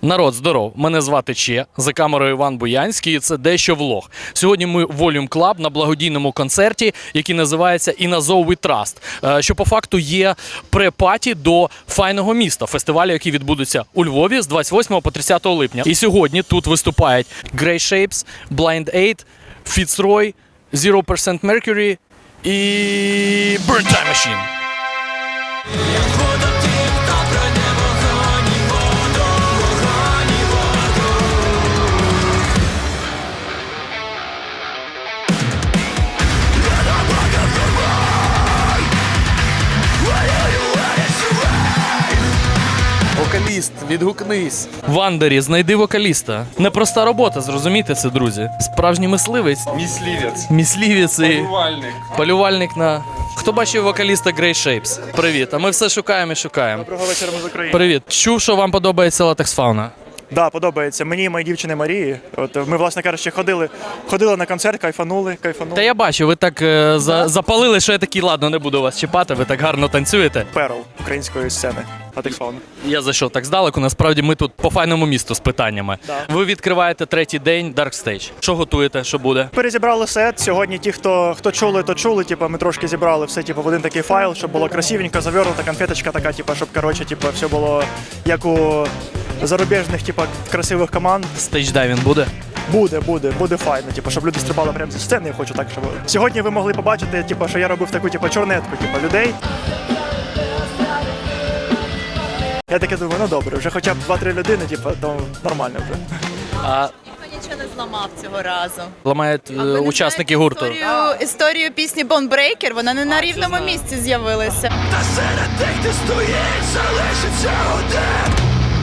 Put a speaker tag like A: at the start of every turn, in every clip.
A: Народ, здоров! Мене звати Че, за камерою Іван Буянський, і це «Дещо влог». Сьогодні ми в Volume Club на благодійному концерті, який називається «In Azov We Trust», що по факту є пре-паті до «Файного міста», фестивалю, який відбудеться у Львові з 28 по 30 липня. І сьогодні тут виступають Grey Shapes, Blind Aid, Fitzroy, 0% Mercury і Burn Time Machine. Вокаліст, відгукнись. Вандері, знайди вокаліста. Непроста робота, зрозумійте це, друзі. Справжній мисливець.
B: Мисливець.
A: Мисливець і
B: Полювальник.
A: полювальник на... Хто бачив вокаліста Grey Shapes? Привіт, а ми все шукаємо і шукаємо.
C: Доброго вечора, ми з України.
A: Привіт. Чув, що вам подобається Latex Fauna?
C: Да, подобається. Мені і моїй дівчині Марії. От ми, власне кажучи, ходили на концерт, кайфанули.
A: Та я бачу, ви так запалили, що я такий, ладно, не буду вас чіпати, ви так гарно танцюєте.
C: Перл української сцени. Latex Fauna.
A: Я зайшов так здалеку, насправді ми тут по файному місту з питаннями.
C: Да.
A: Ви відкриваєте третій день Dark Stage. Що готуєте, що буде?
C: Перезібрали сет. Сьогодні ті, хто чули, то чули. Типу, ми трошки зібрали все в один такий файл, щоб було красивенько, завернута конфеточка така, щоб все було як у зарубіжних, красивих команд.
A: Стейдж-дайвінг буде?
C: Буде файно, щоб люди стрибали прямо зі сцени. Я хочу так, щоб сьогодні ви могли побачити, що я робив таку чорнетку, людей. Я таке думаю, ну добре, вже хоча б 2-3 людини, то нормально вже.
D: Ніхто нічого не зламав цього разу.
A: Ламають учасники гурту.
D: Історію пісні Bone Breaker, вона не на рівному місці з'явилася.
E: Та серед тих, ти стоїть, залишиться один.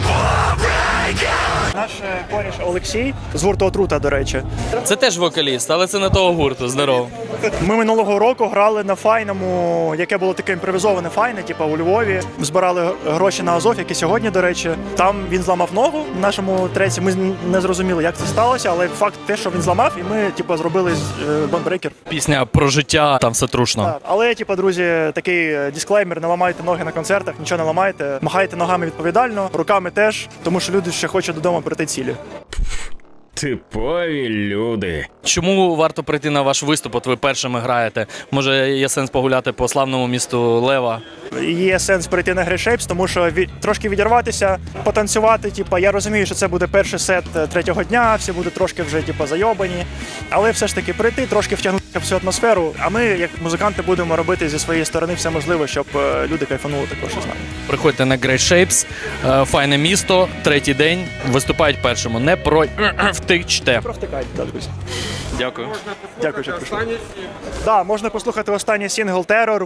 C: Наш коріш Олексій з гурту Отрута, до речі.
A: Це теж вокаліст, але це не того гурту, здорово.
C: Ми минулого року грали на файному, яке було таке імпровізоване файне, у Львові. Збирали гроші на Азов, як і сьогодні, до речі. Там він зламав ногу в нашому треці. Ми не зрозуміли, як це сталося, але факт те, що він зламав, і ми зробили Bone Breaker.
A: Пісня про життя, там все трушно.
C: Так. Але, друзі, такий дисклеймер: не ламайте ноги на концертах, нічого не ламайте. Махайте ногами відповідально, руками теж, тому що люди ще хочуть додому прийти цілі.
E: Типові люди.
A: Чому варто прийти на ваш виступ, от ви першими граєте? Може є сенс погуляти по славному місту Лева?
C: Є сенс прийти на Grey Shapes, тому що трошки відірватися, потанцювати. Я розумію, що це буде перший сет третього дня, всі будуть трошки вже зайобані. Але все ж таки прийти, трошки втягнути всю атмосферу. А ми, як музиканти, будемо робити зі своєї сторони все можливе, щоб люди кайфанули також з нами.
A: Приходьте на Grey Shapes, файне місто, третій день, виступають першому. Не втичте.
C: Провтикайте, друзі.
A: Дякую.
C: Дякую, що прийшли. Так, можна послухати останній сингл «Terror».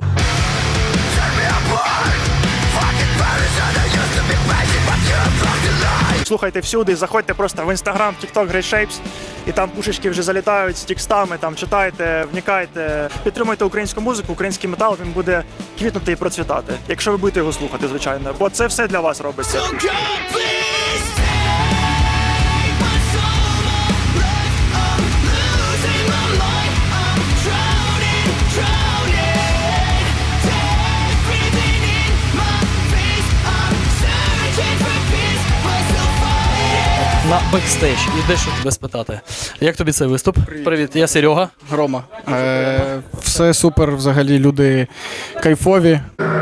C: Слухайте всюди, заходьте просто в Instagram, TikTok, Grey Shapes, і там пушечки вже залітають з текстами, там читайте, вникайте, підтримуйте українську музику, український метал, він буде квітнути і процвітати, якщо ви будете його слухати, звичайно, бо це все для вас робиться.
A: На бекстейдж. І де що тебе спитати? Як тобі цей виступ? Привіт, я Серега.
F: Рома. Все супер, взагалі люди кайфові.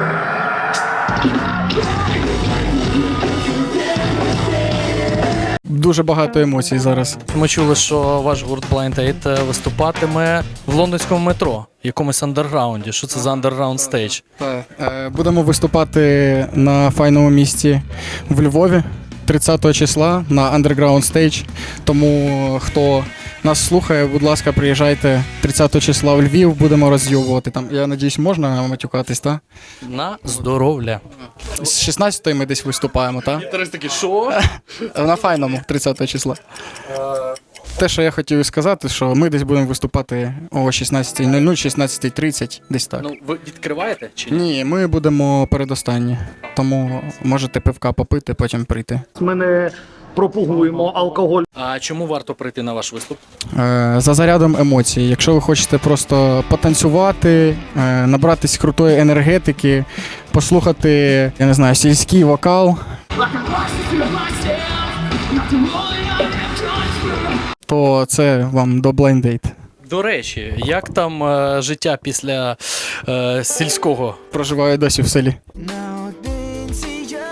F: Дуже багато емоцій зараз.
A: Ми чули, що ваш гурт Blind Aid виступатиме в лондонському метро, в якомусь андерграунді. Що це за андерграунд стейдж?
F: Будемо виступати на файному місці в Львові 30 числа на Underground Stage. Тому хто нас слухає, будь ласка, приїжджайте 30 числа в Львів, будемо роз'їбувати там. Я надіюсь, можна матюкатись, так?
A: На здоров'я.
F: З 16-ї ми десь виступаємо, так?
A: Гітарист такий, що?
F: На файному 30 числа. Те, що я хотів сказати, що ми десь будемо виступати о 16:00, 16:30, десь так.
A: Ну, ви відкриваєте чи ні?
F: Ні, ми будемо передостанні, тому можете пивка попити, потім прийти.
G: Ми не пропагуємо алкоголь.
A: А чому варто прийти на ваш виступ?
F: За зарядом емоцій. Якщо ви хочете просто потанцювати, набратись крутої енергетики, послухати, я не знаю, сільський вокал. То це вам до Blind Date.
A: До речі, як там життя після сільського?
F: Проживаю досі в селі.
E: Наодинці я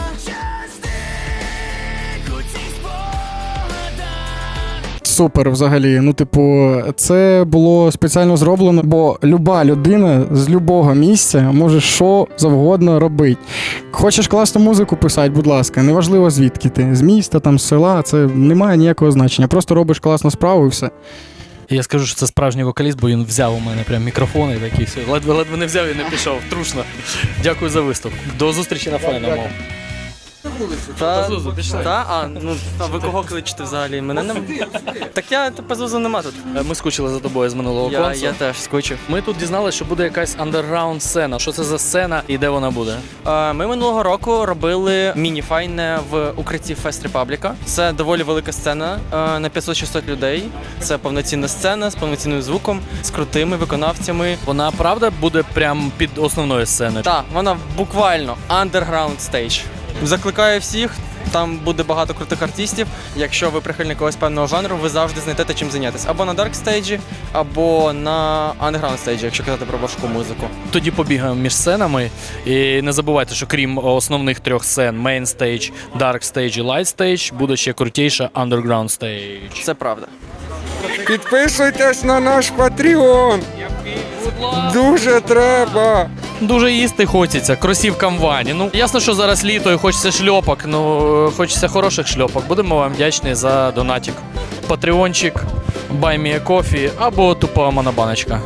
E: частик у цих спогадах.
F: Супер взагалі. Ну, типу, це було спеціально зроблено, бо люба людина з любого місця може що завгодно робити. Хочеш класну музику писати, будь ласка, неважливо звідки ти. З міста, там, з села, це не має ніякого значення. Просто робиш класну справу і все.
A: Я скажу, що це справжній вокаліст, бо він взяв у мене прям мікрофон і такий все. Ледве не взяв і не пішов. Трушно. Дякую за виступ. До зустрічі на файному. Пазузу, пішли.
B: А ви кого кличете взагалі? Мене не... Так я Пазузу нема тут.
A: Ми скучили за тобою з минулого концу.
B: Я теж скучив.
A: Ми тут дізналися, що буде якась андерграунд сцена. Що це за сцена і де вона буде?
B: Ми минулого року робили міні-файне в укритті Фест Репабліка. Це доволі велика сцена на 500-600 людей. Це повноцінна сцена з повноцінним звуком, з крутими виконавцями.
A: Вона правда буде прям під основною сценою?
B: Так, вона буквально underground stage. Закликаю всіх, там буде багато крутих артистів. Якщо ви прихильник якогось певного жанру, ви завжди знайдете чим зайнятися. Або на дарк стейджі, або на underground стейджі, якщо казати про важку музику.
A: Тоді побігаємо між сценами. І не забувайте, що крім основних трьох сцен Main Stage, Dark Stage і Light Stage, буде ще крутіша Underground Stage.
B: Це правда.
H: Підписуйтесь на наш Patreon. Дуже треба.
A: Дуже їсти хочеться, кросівкам Вані. Ну, ясно, що зараз літо і хочеться шльопок, ну хочеться хороших шльопок. Будемо вам вдячні за донатик. Патреончик, Buy Me a Coffee або тупа монобаночка.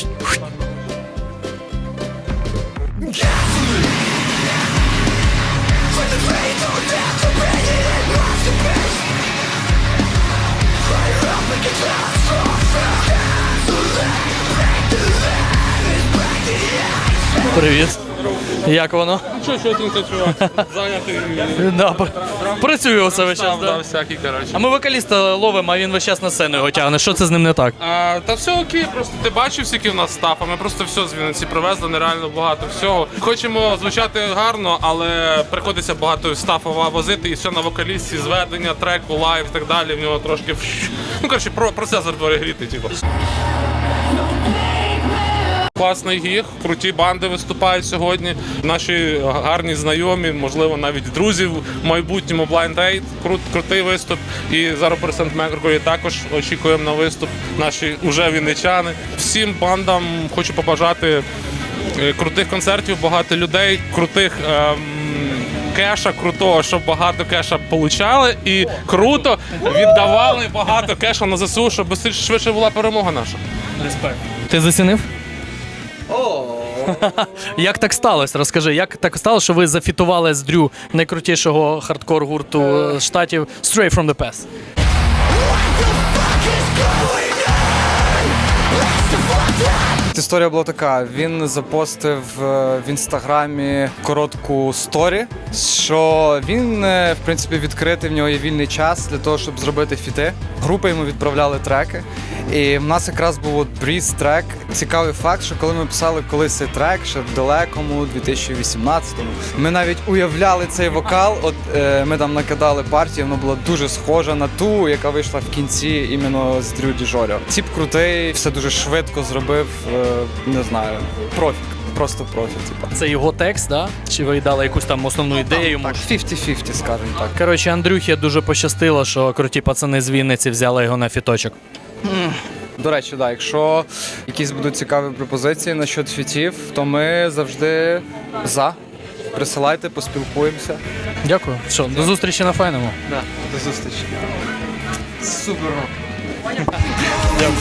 A: Привіт. Як воно?
I: Що ти чувак? Зайнятий.
A: Да, працюю оце весь час. Да.
I: Всякий, коротше.
A: А ми вокаліста ловимо, а він весь час на сцену його тягне. Що це з ним не так?
I: Та все окей, просто ти бачив, скільки в нас став, а ми просто все з Вінниці привезли, нереально багато всього. Хочемо звучати гарно, але приходиться багато стафу возити, і все на вокалісті, зведення, треку, лайв і так далі. В нього трошки, ну коротше, процесор перегріти, типу. Класний гіг, круті банди виступають сьогодні. Наші гарні знайомі, можливо, навіть друзі в майбутньому Blind Date. Крутий виступ. І зараз при Сент-Меркурі також очікуємо на виступ. Наші уже вінничани. Всім бандам хочу побажати крутих концертів, багато людей, крутих кеша крутого, щоб багато кеша получали і круто віддавали багато кеша на ЗСУ, щоб швидше була перемога наша.
A: Респект. Ти зацінив? Як так сталося? Розкажи, як так сталося, що ви зафітували з Дрю найкрутішого хардкор-гурту штатів Straight from the Past?
J: Історія була така, він запостив в інстаграмі коротку сторі, що він, в принципі, відкритий, в нього є вільний час для того, щоб зробити фіти. Групи йому відправляли треки, і в нас якраз був от Breeze трек. Цікавий факт, що коли ми писали колись цей трек, ще в далекому 2018-му, ми навіть уявляли цей вокал, от ми там накидали партію, вона була дуже схожа на ту, яка вийшла в кінці іменно з Дрю Діжоріо. Тіп крутий, все дуже швидко зробив, не знаю, профік. Просто профі, типа.
A: Це його текст, да? Чи ви дали якусь там основну ідею йому?
J: Так, 50-50, скажімо так.
A: Коротше, Андрюхі дуже пощастило, що круті пацани з Вінниці взяли його на фіточок.
J: До речі, да, якщо якісь будуть цікаві пропозиції насчет фітів, то ми завжди за. Присилайте, поспілкуємося.
A: Дякую. Що, до зустрічі на файному.
J: Да, до зустрічі. Супер.
A: Дякую.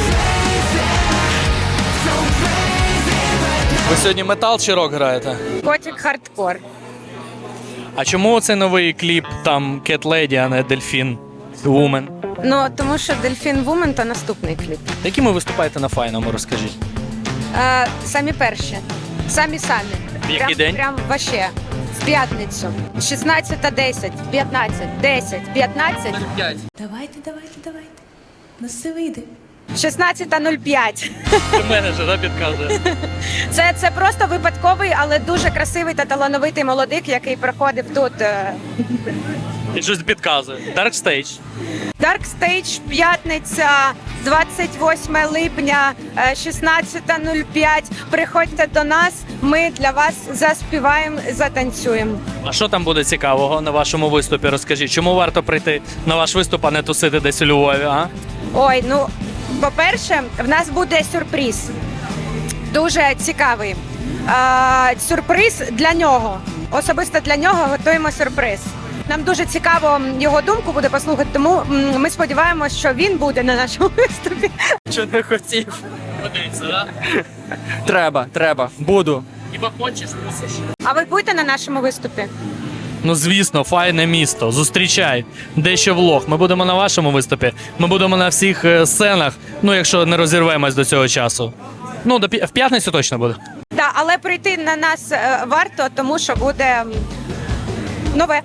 A: Ви сьогодні метал чи рок граєте?
K: Котик хардкор.
A: А чому цей новий кліп там Cat Lady, а не Delfin Woman?
K: Ну, тому що Delfin Woman – то наступний кліп.
A: Якими виступаєте на файному, розкажіть?
K: Самі перші. Самі.
A: В який день?
K: Прям вообще. В п'ятницю. 16:10, 15, 10, 15.
L: Давайте. На все вийде.
K: 16:05.
A: Менеджер, да, підказує.
K: Це просто випадковий, але дуже красивий та талановитий молодик, який проходив тут.
A: І щось підказує. Dark Stage.
K: Dark Stage, п'ятниця, 28 липня, 16:05. Приходьте до нас, ми для вас заспіваємо, затанцюємо.
A: А що там буде цікавого на вашому виступі? Розкажіть, чому варто прийти на ваш виступ, а не тусити десь у Львові, а?
K: Ой, ну, по-перше, в нас буде сюрприз. Дуже цікавий. Сюрприз для нього. Особисто для нього готуємо сюрприз. Нам дуже цікаво його думку буде послухати, тому ми сподіваємося, що він буде на нашому виступі.
B: Що не хотів.
A: Подивіться, да?
B: Треба. Буду.
A: Хіба хочеш, мусиш.
K: А ви будете на нашому виступі?
A: Ну, звісно, файне місто. Зустрічай. Дещо влог. Ми будемо на вашому виступі. Ми будемо на всіх сценах, ну, якщо не розірвемось до цього часу. Ну, в п'ятницю точно буде.
K: Так, але прийти на нас варто, тому що буде нове.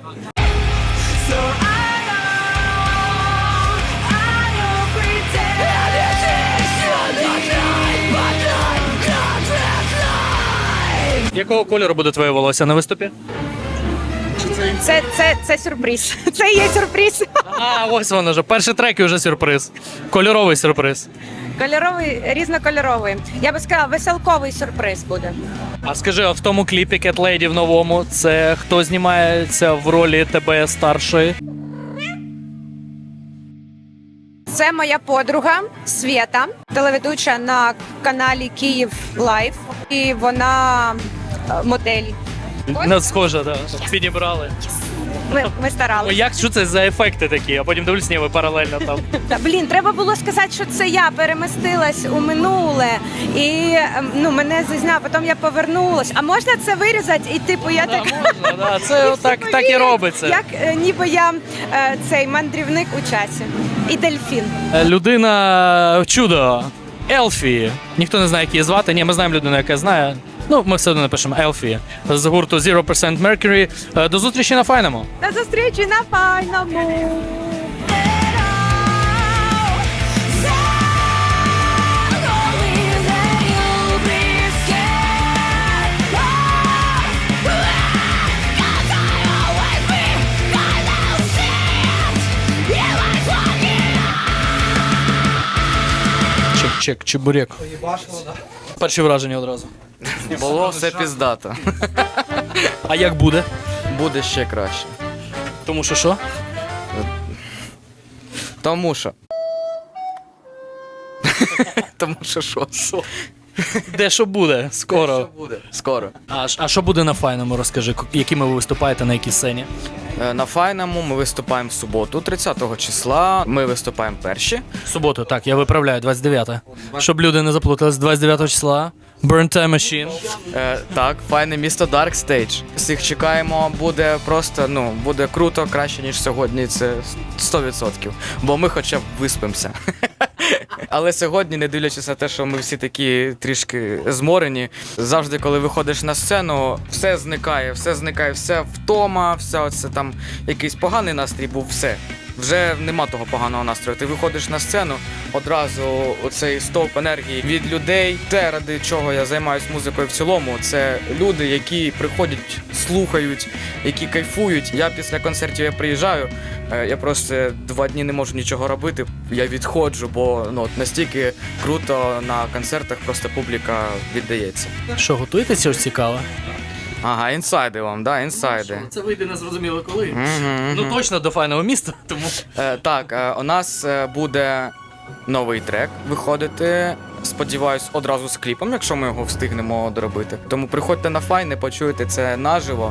A: Якого кольору буде твоє волосся на виступі?
K: Це сюрприз. Це і є сюрприз.
A: А, ось воно вже. Перший трек і вже сюрприз. Кольоровий сюрприз.
K: Кольоровий, різнокольоровий. Я би сказала, веселковий сюрприз буде.
A: А скажи, а в тому кліпі Cat Lady в новому, це хто знімається в ролі тебе старшої?
K: Це моя подруга Свєта, телеведуча на каналі Київ Лайф. І вона модель.
A: Не схоже, так. Підібрали.
K: Ми
A: О,
K: старалися.
A: як, що це за ефекти такі? А потім дивлюсь, ні, ви паралельно там.
K: Блін, треба було сказати, що це я перемістилась у минуле. І мене зазняв, потім я повернулась. А можна це вирізати? І типу я так...
A: Можна, да. Це так і робиться.
K: Як ніби я цей мандрівник у часі. І дельфін.
A: Людина чудо. Елфі. Ніхто не знає, як її звати. Ні, ми знаємо людину, яка знає. Ну, ми все одно напишемо Елфі з гурту 0% Mercury. До зустрічі на файному.
K: До зустрічі на файному.
A: Чек, чебурек. Перші враження одразу.
J: Було все піздато.
A: А як буде?
J: Буде ще краще.
A: Тому що що?
J: Тому що. Тому що що?
A: Де що буде? Скоро.
J: Буде. Скоро.
A: А що буде на файному, розкажи, якими ви виступаєте, на якій сцені?
J: На файному ми виступаємо в суботу, 30-го числа. Ми виступаємо перші.
A: В суботу, так, я виправляю, 29-те. Щоб люди не заплутались, 29 числа. Burn Time Machine.
J: Так, файне місто Dark Stage. Всіх чекаємо, буде просто, буде круто, краще, ніж сьогодні, це 100%. Бо ми хоча б виспимося. Але сьогодні, не дивлячись на те, що ми всі такі трішки зморені, завжди, коли виходиш на сцену, все зникає, вся втома, все оце там якийсь поганий настрій був, все. Вже нема того поганого настрою. Ти виходиш на сцену, одразу оцей стовп енергії від людей. Те, ради чого я займаюся музикою в цілому, це люди, які приходять, слухають, які кайфують. Я після концертів приїжджаю, я просто 2 дні не можу нічого робити, я відходжу, бо настільки круто на концертах просто публіка віддається.
A: Що, готуєтеся щось цікаве?
J: Ага, інсайди вам, да, інсайди.
A: Це вийде не зрозуміло коли.
J: Мгм.
A: Ну точно до файного міста, тому.
J: Так, у нас буде новий трек виходити. Сподіваюсь, одразу з кліпом, якщо ми його встигнемо доробити. Тому приходьте на файне, почуєте це наживо.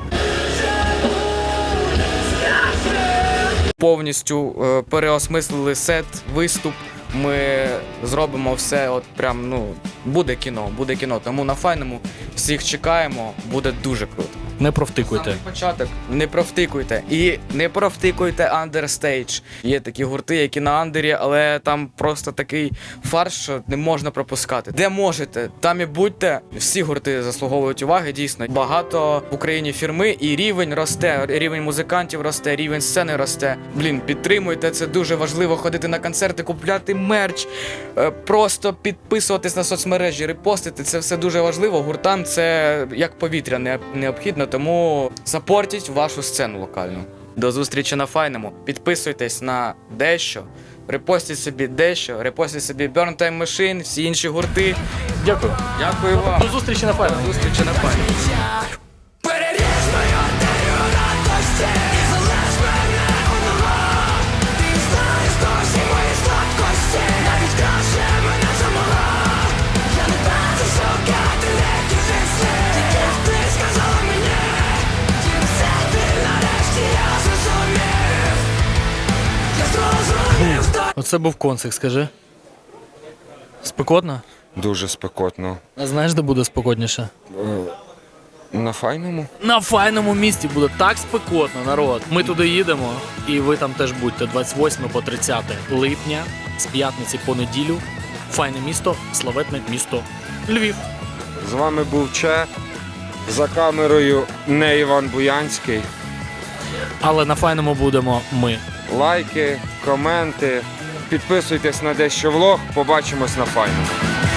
J: Повністю переосмислили сет, виступ. Ми зробимо все, от прям, буде кіно. Тому на файному всіх чекаємо, буде дуже круто.
A: Не провтикуйте.
J: Початок. Не провтикуйте. І не провтикуйте андерстейдж. Є такі гурти, які на андері, але там просто такий фарш, що не можна пропускати. Де можете, там і будьте. Всі гурти заслуговують уваги, дійсно. Багато в Україні фірми, і рівень росте, рівень музикантів росте, рівень сцени росте. Блін, підтримуйте, це дуже важливо. Ходити на концерти, купляти мерч, просто підписуватись на соцмережі, репостити. Це все дуже важливо. Гуртам це як повітря необхідно, тому сапортіть вашу сцену локальну. До зустрічі на файному. Підписуйтесь на дещо, репостіть собі дещо, репостіть собі Burn Time Machine, всі інші гурти.
A: Дякую.
J: Дякую вам.
A: До зустрічі на файному.
J: До зустрічі на файному.
E: Переріж мою артерію радості і залиш мене одного. Ти знаєш досі мої слабкості, навіть краще мене самого. Я не бачу шукати легкі життя, тільки ти сказала мені. Все ти нарешті я зрозумів. Я зрозумів,
A: Оце був концерт, скажи. Спекотно?
H: Дуже спекотно.
A: А знаєш, де буде спекотніше?
H: На файному?
A: На файному місті буде так спекотно, народ. Ми туди їдемо, і ви там теж будьте 28 по 30 липня, з п'ятниці по неділю. Файне місто, славетне місто Львів.
H: З вами був Че. За камерою не Іван Буянський.
A: Але на файному будемо ми.
H: Лайки, коменти. Підписуйтесь на дещо влог. Побачимось на файному.